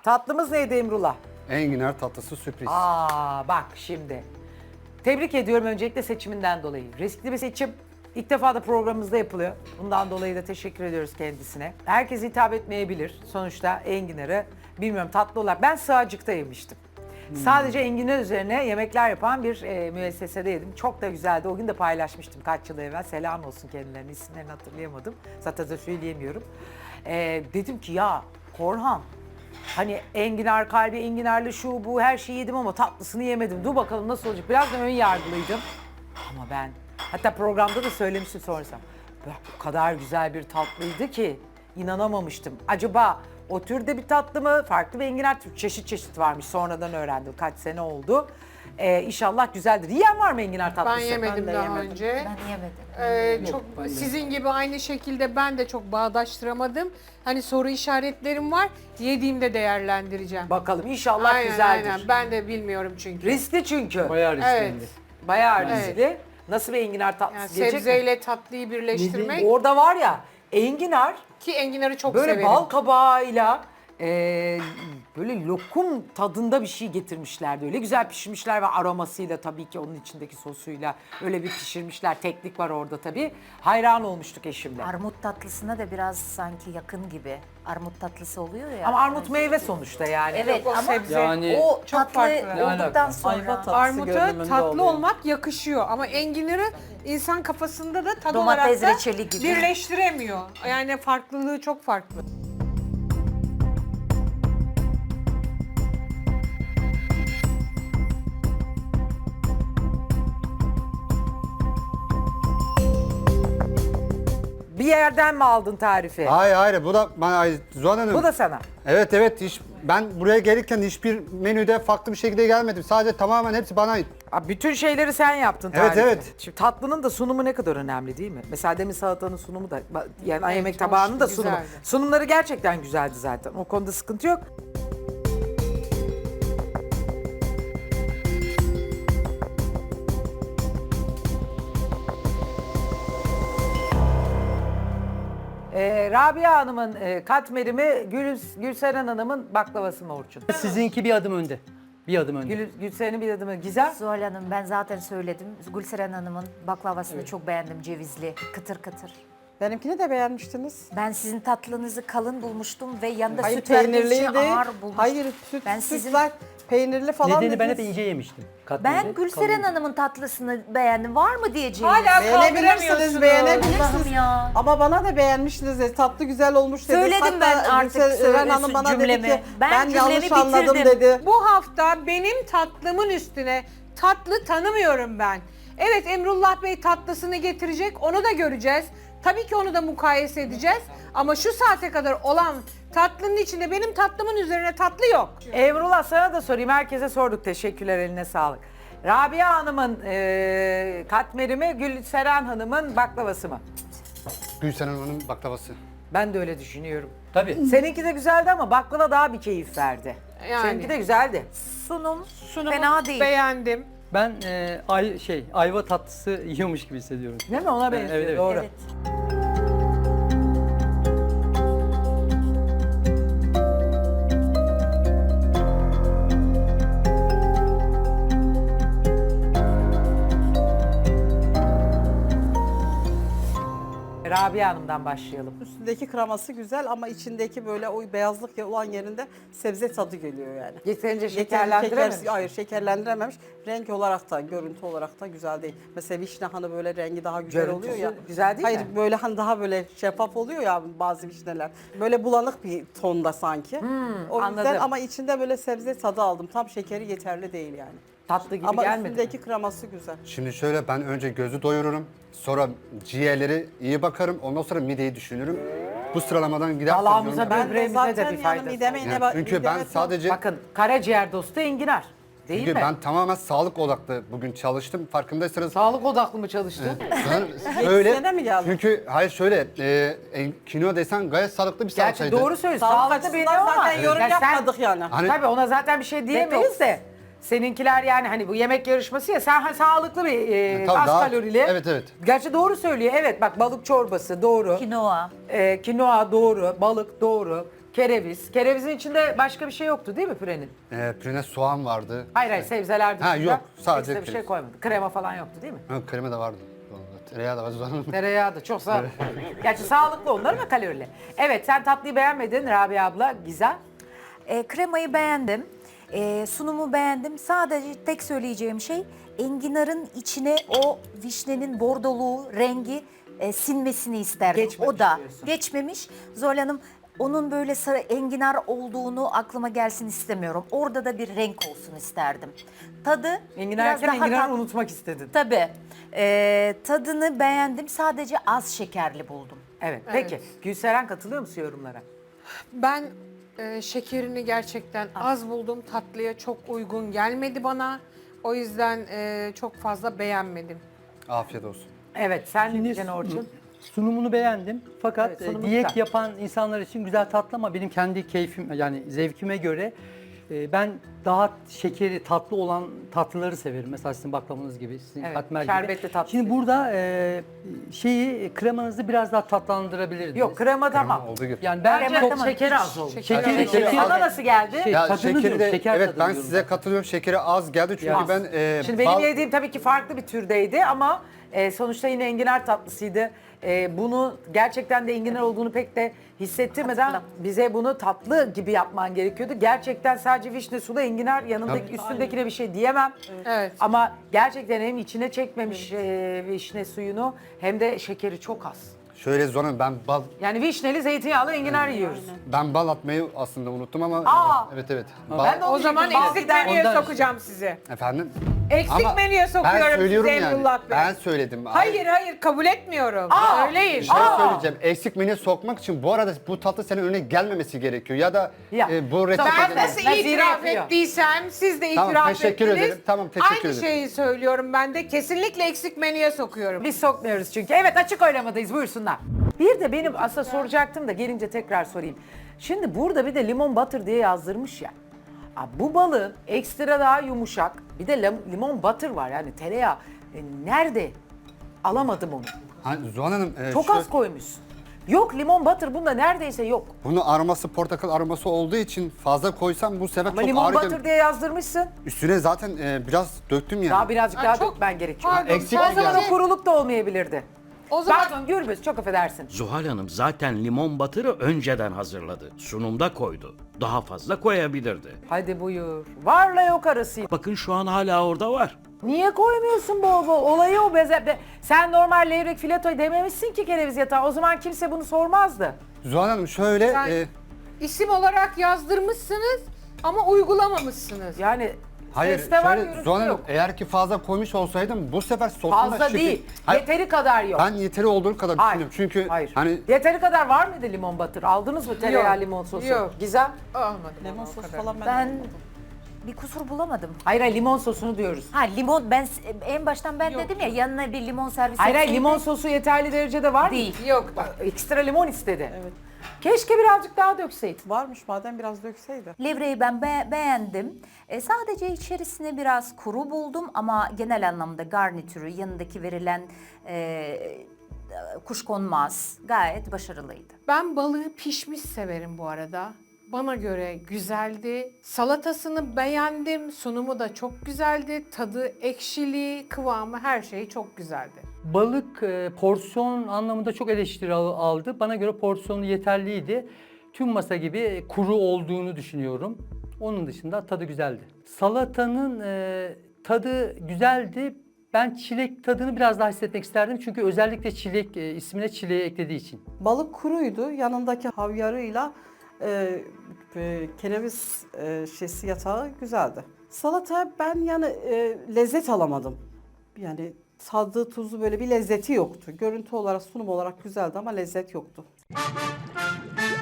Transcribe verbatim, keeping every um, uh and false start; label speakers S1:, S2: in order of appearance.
S1: Tatlımız neydi Emrullah?
S2: Enginar tatlısı sürpriz.
S1: Aa bak şimdi. Tebrik ediyorum öncelikle seçiminden dolayı. Riskli bir seçim. İlk defa da programımızda yapılıyor. Bundan dolayı da teşekkür ediyoruz kendisine. Herkes hitap etmeyebilir. Sonuçta enginarı bilmiyorum tatlı olarak. Ben sığacıkta yemiştim. Hmm. Sadece enginar üzerine yemekler yapan bir e, müessesede yedim. Çok da güzeldi. O gün de paylaşmıştım kaç yıl evvel. Selam olsun kendilerine. İsimlerini hatırlayamadım. Zaten de söyleyemiyorum. E, dedim ki ya Korhan, hani enginar kalbi, enginarlı şu bu her şeyi yedim ama tatlısını yemedim. Dur bakalım nasıl olacak. Biraz da ön yargılıydım. Ama ben, hatta programda da söylemiştim sonrasında. Bu kadar güzel bir tatlıydı ki inanamamıştım. Acaba o türde bir tatlı mı? Farklı bir enginar türü, çeşit çeşit varmış. Sonradan öğrendim. Kaç sene oldu. Ee, inşallah güzeldir. Yiyen var mı enginar tatlısı?
S3: Ben yemedim
S4: de
S3: daha
S4: yemedim.
S3: önce.
S5: Ben yemedim.
S3: Ee, çok sizin gibi aynı şekilde ben de çok bağdaştıramadım. Hani soru işaretlerim var. Yediğimde değerlendireceğim.
S1: Bakalım inşallah
S3: aynen,
S1: güzeldir.
S3: aynen. Ben de bilmiyorum çünkü.
S1: Riskli çünkü.
S4: Bayağı risklendi.
S3: Evet.
S1: Bayağı
S3: Evet.
S1: riskli. Nasıl bir enginar tatlısı
S3: Yani
S1: gelecek mi?
S3: sebzeyle tatlıyı birleştirmek
S1: Orada var ya enginar
S3: ki enginarı çok
S1: böyle
S3: severim.
S1: bal kabağıyla e, böyle lokum tadında bir şey getirmişlerdi. Öyle güzel pişirmişler ve aromasıyla tabii ki onun içindeki sosuyla öyle bir pişirmişler. Teknik var orada tabii. Hayran olmuştuk eşimle.
S5: Armut tatlısına da biraz sanki yakın gibi. Armut tatlısı oluyor ya.
S1: Ama armut meyve sonuçta yani.
S5: Evet
S3: o
S5: ama
S3: sebze.
S4: Yani
S5: o
S3: çok
S5: tatlı
S3: farklı. Ne
S5: olduktan
S4: alaka?
S5: sonra.
S4: Ayva tatlısı
S3: Armuta
S4: görünümünde
S3: tatlı
S4: oluyor.
S3: olmak yakışıyor ama enginarı insan kafasında da tad
S5: Domates
S3: olarak da
S5: reçeli gibi.
S3: birleştiremiyor. Yani farklılığı çok farklı.
S1: Bir yerden mi aldın tarifi?
S2: Hayır hayır bu da bana ay, Zuhal Hanım.
S1: Bu da sana.
S2: Evet evet hiç, ben buraya gelirken hiçbir menüde farklı bir şekilde gelmedim. Sadece tamamen hepsi bana ait.
S1: Abi bütün şeyleri sen yaptın
S2: Evet,
S1: tarifi.
S2: evet.
S1: Şimdi tatlının da sunumu ne kadar önemli değil mi? Mesela demin salatanın sunumu da yani
S3: Evet,
S1: yemek
S3: hoş,
S1: tabağının da sunumu.
S3: güzeldi.
S1: Sunumları gerçekten güzeldi zaten. O konuda sıkıntı yok. Ee, Rabia Hanım'ın e, katmeri mi, Gül, Gülseren Hanım'ın baklavası mı Orçun?
S4: Sizinki bir adım önde. Bir adım önde.
S1: Gül, Gülseren'in bir adımı Gizem.
S5: Zuhal Hanım ben zaten söyledim. Gülseren Hanım'ın baklavasını çok beğendim, cevizli, kıtır kıtır.
S6: Benimkini de beğenmiştiniz.
S5: Ben sizin tatlınızı kalın bulmuştum ve yanında
S6: Hayır
S5: süt verdiğiniz için
S6: peynirliydi.
S5: ağır bulmuştum.
S6: Hayır süt,
S5: Ben
S6: süt
S5: sizin-
S6: var, peynirli falan
S4: Nedeni ben hep
S6: dediniz.
S4: ince yemiştim. Katmeri,
S5: Ben Gülseren
S4: kalın.
S5: Hanım'ın tatlısını beğendim. Var mı diyeceğim?
S3: Hala
S6: Beğenebilirsiniz,
S3: kaldıramıyorsunuz.
S6: beğenebilirsiniz.
S5: Allah'ım ya.
S6: Ama bana da beğenmiştiniz dedi. Tatlı güzel olmuş dedi.
S5: Söyledim
S6: Hatta
S5: ben artık
S6: Gülseren
S5: söyle-
S6: Hanım bana
S5: cümlemi.
S6: dedi ki
S5: Ben
S6: ben,
S5: cümlemi
S6: yanlış anladım
S5: bitirdim.
S6: dedi.
S3: Bu hafta benim tatlımın üstüne tatlı tanımıyorum ben. Evet Emrullah Bey tatlısını getirecek, onu da göreceğiz. Tabii ki onu da mukayese edeceğiz. Ama şu saate kadar olan tatlının içinde benim tatlımın üzerine tatlı yok.
S1: Emrullah sana da sorayım. Herkese sorduk. Teşekkürler. Eline sağlık. Rabia Hanım'ın e, katmeri mi, Gülseren Hanım'ın baklavası mı?
S2: Gülseren Hanım'ın baklavası.
S1: Ben de öyle düşünüyorum.
S4: Tabii.
S1: Seninki de güzeldi ama baklava daha bir keyif verdi.
S3: Yani.
S1: Seninki de güzeldi.
S5: Sunum,
S3: Sunumu
S5: fena değil.
S3: beğendim.
S4: Ben e, ay şey ayva tatlısı yiyormuş gibi hissediyorum.
S1: Değil mi? Ona benziyor.
S4: evet, evet.
S1: Doğru.
S5: Evet.
S1: Rabia Hanım'dan başlayalım.
S6: Üstündeki kreması güzel ama içindeki böyle o beyazlık olan yerinde sebze tadı geliyor yani.
S1: Yeterince
S6: Yeterli
S1: şekerlendirememiş.
S6: şeker- hayır şekerlendirememiş. Renk olarak da, görüntü olarak da güzel değil. Mesela vişne hani böyle rengi daha güzel
S1: Görüntüsü
S6: oluyor ya.
S1: güzel değil
S6: hayır,
S1: mi?
S6: böyle hani daha böyle şeffaf oluyor ya bazı vişneler. Böyle bulanık bir tonda sanki. o yüzden
S1: anladım.
S6: ama içinde böyle sebze tadı aldım. Tam şekeri yeterli değil yani.
S1: Tatlı gibi
S6: ama
S1: gelmedi.
S6: üstündeki kreması güzel.
S2: Şimdi şöyle ben önce gözü doyururum. Sonra ciğerleri iyi bakarım. Ondan sonra mideyi düşünürüm. Bu sıralamadan gider.
S1: Dalağımıza
S6: Ben de
S1: böbreğimize de
S6: zaten
S1: bir
S6: yani
S1: faydası
S6: mideme
S1: oldu.
S6: yine
S2: Yani
S6: bak-
S2: çünkü
S6: mideme
S2: ben
S6: tam-
S2: sadece
S1: Bakın karaciğer dostu enginar. Değil
S2: çünkü
S1: mi?
S2: ben tamamen sağlık odaklı bugün çalıştım. Farkındaysanız
S1: Sağlık odaklı mı çalıştın?
S2: ben öyle.
S6: Yetişene mi geldin?
S2: Çünkü hayır şöyle e, en- kinoa desen gayet sağlıklı bir
S1: Gerçi
S2: salçaydı.
S1: doğru söylüyorsun.
S6: Sağlık
S1: Sağlıklı
S6: açısından
S1: benim ama.
S6: zaten yorum
S1: Ya sen-
S6: yapmadık yani.
S2: Hani-
S1: Tabii ona zaten bir şey diyemeyiz
S6: Detoks.
S1: de. Seninkiler yani hani bu yemek yarışması ya sen ha, sağlıklı bir e,
S2: Tabii
S1: az
S2: daha-
S1: kalorili.
S2: evet, evet.
S1: Gerçi doğru söylüyor. Evet bak balık çorbası doğru.
S5: Kinoa.
S1: E, kinoa doğru, balık doğru. kereviz. Kerevizin içinde başka bir şey yoktu değil mi pürenin?
S2: Ee, pürene soğan vardı.
S1: Hayır hayır sebzeler dışında.
S2: Ha, yok, sadece
S1: ekstra bir şey
S2: kereviz.
S1: koymadı. Krema falan yoktu değil mi?
S2: Ha, krema da vardı. Tereyağı da vardı. Zuhal Hanım.
S1: Tereyağı da çok sağlıklı. Gerçi sağlıklı onlar ama kalorili. Evet sen tatlıyı beğenmedin Rabia abla. Gizem.
S5: E, kremayı beğendim. E, sunumu beğendim. Sadece tek söyleyeceğim şey enginarın içine o vişnenin bordoluğu, rengi e, sinmesini isterdim.
S1: Geçmemiş
S5: o da
S1: diyorsun.
S5: geçmemiş. Zuhal Hanım onun böyle sarı enginar olduğunu aklıma gelsin istemiyorum. Orada da bir renk olsun isterdim. Tadı
S1: Enginar
S5: biraz
S1: yerken
S5: daha
S1: enginarı
S5: tat-
S1: unutmak istedin.
S5: Tabii. E, tadını beğendim. Sadece az şekerli buldum.
S1: Evet. Peki Gülseren katılıyor musun yorumlara?
S3: Ben e, şekerini gerçekten az buldum. Tatlıya çok uygun gelmedi bana. O yüzden e, çok fazla beğenmedim.
S2: Afiyet olsun.
S1: Evet sen
S4: Şimdi
S1: diyeceksin Orçun.
S4: sunumunu beğendim. Fakat
S1: Evet,
S4: e,
S1: sunumu
S4: diyet
S1: güzel.
S4: yapan insanlar için güzel tatlı ama benim kendi keyfim yani zevkime göre e, ben daha şekeri tatlı olan tatlıları severim. Mesela sizin baklavanız gibi, sizin
S1: Evet,
S4: katmer gibi.
S1: şerbetli tatlı
S4: Şimdi
S1: seviyorum.
S4: burada e, şeyi kremanızı biraz daha tatlandırabilirdiniz.
S1: Yok krema tamam.
S2: Krema olduğu gibi.
S4: Yani ben
S1: Bence
S4: çok
S1: ama şekeri az olmuş.
S4: Şekeri-
S1: Şekeri,
S4: şekeri-
S1: Sana nasıl geldi?
S4: Şey,
S2: Ya
S4: tadını
S2: şekeri
S4: diyorum,
S2: de,
S4: şeker
S2: evet
S4: tadını
S2: ben
S4: diyorum
S2: size
S4: ben.
S2: katılıyorum. Şekeri az geldi çünkü
S1: Az.
S2: ben e,
S1: Şimdi benim
S2: bal-
S1: yediğim tabii ki farklı bir türdeydi ama e, sonuçta yine enginar tatlısıydı. E, bunu gerçekten de enginar olduğunu pek de hissettirmeden bize bunu tatlı gibi yapman gerekiyordu. Gerçekten sadece vişne sulu enginar yanındaki üstündekine bir şey diyemem.
S3: Evet.
S1: Ama gerçekten hem içine çekmemiş e, vişne suyunu hem de şekeri çok az.
S2: şöyle Zuhal ben bal
S1: Yani vişneli zeytinyağlı enginar yiyoruz.
S2: ben bal atmayı aslında unuttum ama
S1: Aa!
S2: evet evet.
S1: Ben de
S3: O zaman
S1: diyecektim,
S3: eksik
S1: bal-
S3: menüye
S4: ondan-
S3: sokacağım sizi.
S2: efendim.
S3: Eksik
S2: Ama
S3: menüye sokuyorum
S2: ben söylüyorum
S3: size
S2: yani.
S3: Emrullah Bey.
S2: Ben söyledim.
S3: Hayır hayır kabul etmiyorum.
S1: Aa!
S3: Söyleyin.
S2: Bir şey
S1: Aa!
S2: söyleyeceğim. Eksik menüye sokmak için bu arada bu tatlı senin önüne gelmemesi gerekiyor. Ya da
S1: Ya.
S2: e, bu
S3: Ben
S2: reçete...
S3: nasıl
S1: Nazire
S3: itiraf
S1: yapıyor.
S3: ettiysem siz de
S2: Tamam,
S3: itiraf
S2: teşekkür
S3: ettiniz.
S2: ederim. Tamam, teşekkür
S3: Aynı
S2: ederim.
S3: şeyi söylüyorum ben de. Kesinlikle eksik menüye sokuyorum.
S1: Biz sokmuyoruz çünkü. Evet açık oylamadayız buyursunlar. Bir de benim aslında soracaktım da gelince tekrar sorayım. Şimdi burada bir de limon butter diye yazdırmış ya. Aa, bu balığın ekstra daha yumuşak. Bir de lim- limon butter var yani tereyağı. E, nerede? Alamadım onu.
S2: Ha, Zuhal Hanım e,
S1: Çok
S2: şu-
S1: az koymuşsun. Yok limon butter bunda neredeyse yok.
S2: bunun aroması portakal aroması olduğu için fazla koysam bu sefer
S1: Ama
S2: çok
S1: limon
S2: ağır
S1: butter
S2: gelir.
S1: diye yazdırmışsın.
S2: Üstüne zaten e, biraz döktüm yani.
S1: Daha birazcık
S3: Aa,
S1: daha
S3: çok-
S1: dökmen gerekiyor.
S3: Pardon,
S2: eksik
S1: O zaman
S2: geldi.
S1: o kuruluk da olmayabilirdi.
S3: O zaman
S1: Pardon Gürbüz çok affedersin.
S7: Zuhal Hanım zaten limon batırı önceden hazırladı. Sunumda koydu. Daha fazla koyabilirdi.
S1: Hadi buyur. Varla yok arası.
S7: Bakın şu an hala orada var.
S1: Niye koymuyorsun bol bol? Olayı o beze. be- Sen normal levrek filetoy dememişsin ki kereviz yatağı. O zaman kimse bunu sormazdı.
S2: Zuhal Hanım şöyle
S3: Sen-
S2: e,
S3: isim olarak yazdırmışsınız ama uygulamamışsınız.
S1: Yani
S2: hayır
S1: seste var,
S2: şöyle
S1: görüntüde
S2: Zuhal Hanım
S1: yok.
S2: eğer ki fazla koymuş olsaydım bu sefer sosuna
S1: Fazla
S2: şekil-
S1: değil.
S2: Hayır,
S1: Yeteri kadar yok.
S2: ben yeteri olduğu kadar
S1: Hayır.
S2: düşünüyorum. Çünkü
S1: Hayır.
S2: hani
S1: Yeteri kadar var mıydı limon batır? Aldınız mı tereyağı
S3: Yok.
S1: limon sosu?
S3: Yok.
S1: Gizem?
S3: Olmadı.
S6: Lemon
S3: o
S6: sos
S3: kadar.
S6: falan ben,
S5: Ben bir kusur bulamadım.
S1: Hayır hayır limon sosunu diyoruz.
S5: Ha limon ben en baştan ben
S3: Yok.
S5: dedim ya yanına bir limon servis
S1: Hayır hayır
S5: etseydi-
S1: limon sosu yeterli derecede var mı?
S5: Değil.
S3: Yok.
S1: Bak, ekstra limon istedi.
S6: Evet.
S1: Keşke birazcık daha dökseydin.
S6: varmış madem biraz dökseydi.
S5: Levreyi ben be- beğendim. E, sadece içerisine biraz kuru buldum ama genel anlamda garnitürü, yanındaki verilen e, kuşkonmaz gayet başarılıydı.
S3: Ben balığı pişmiş severim bu arada. Bana göre güzeldi. Salatasını beğendim. Sunumu da çok güzeldi. Tadı, ekşiliği, kıvamı her şeyi çok güzeldi.
S4: Balık e, porsiyon anlamında çok eleştiri al- aldı. Bana göre porsiyonu yeterliydi. Tüm masa gibi kuru olduğunu düşünüyorum. Onun dışında tadı güzeldi. Salatanın e, tadı güzeldi. Ben çilek tadını biraz daha hissetmek isterdim. Çünkü özellikle çilek e, ismine çileği eklediği için.
S6: Balık kuruydu. Yanındaki havyarıyla e, e, kereviz e, şesi yatağı güzeldi. Salata ben yani e, lezzet alamadım. Yani tadı tuzu böyle bir lezzeti yoktu. Görüntü olarak sunum olarak güzeldi ama lezzet yoktu.